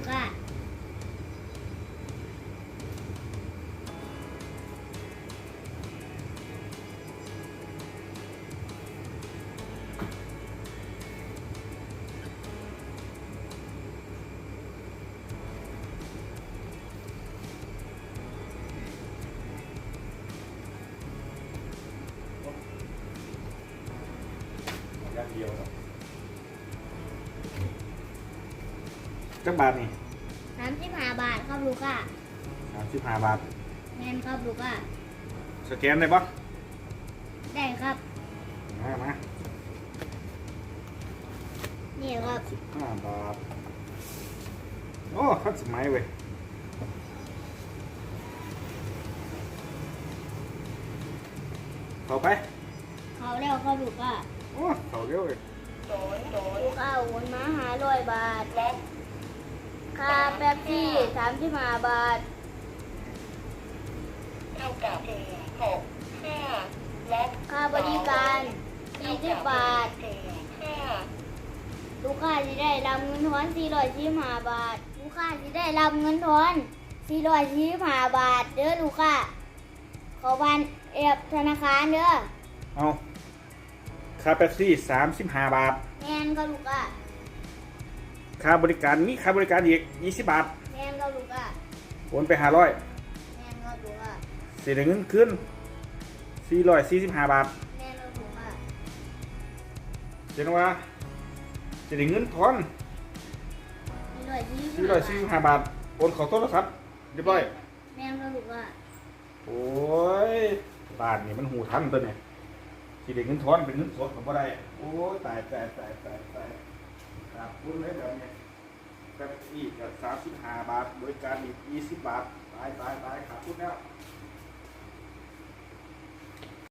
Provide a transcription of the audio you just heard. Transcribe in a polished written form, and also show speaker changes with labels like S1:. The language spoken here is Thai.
S1: กค้า
S2: อย่างเดียวครับจักบาทนี่
S1: 35 บาทครับลูกค้า
S2: 35 บาท
S1: แม่นครับลูกค้า
S2: สแกนได้ปะ
S1: ได้ครับ
S2: มา
S1: นี่ครับ
S2: 15 บาทโอ้ทันสมัยเว้ยเข้าไป
S1: เขาแล้วครับลูกค้า
S2: โอ้เข้าเร็วเลย
S1: ลูกค้าโอนมา500 บาทและค่าแป๊บซี่35 บาท
S3: เท่ากับ6 5และ
S1: ค่าบริการ40 บาท
S3: 5
S1: ลูกค้าจะได้รับเงินทอน445 บาท ลูกค้าจะได้รับเงินทอน445 บาทเด้อลูกค้าขอบันธนาคารเด้อ
S2: เอาค่าเป๊ปซี่35 บาท
S1: แม่นครับลูกค้า
S2: ค่าบริการมีค่าบริการอีก20 บาท
S1: แม่นครับลูกค้า
S2: โอนไป500
S1: แม่นครับลูกค้า
S2: เสียเงินคืน445 บาท
S1: แม่นครับลูกค้า
S2: เจ๊นว่าจะได้เงินทอน445 บาทโอนเข้าโทรศัพท์เรียบร้อย
S1: แม่นครับลูกค้า
S2: โอ้ยบ้านนี่มันหูทันตัวเนี่ยสิได้เงินทอนเป็นเงินสดก็บ่ได้โอ้ยตายครับคุณเลยแบบนี้แบบอีกกับ35 บาทบริการอีก20 บาทตายขาดทุนแล้ว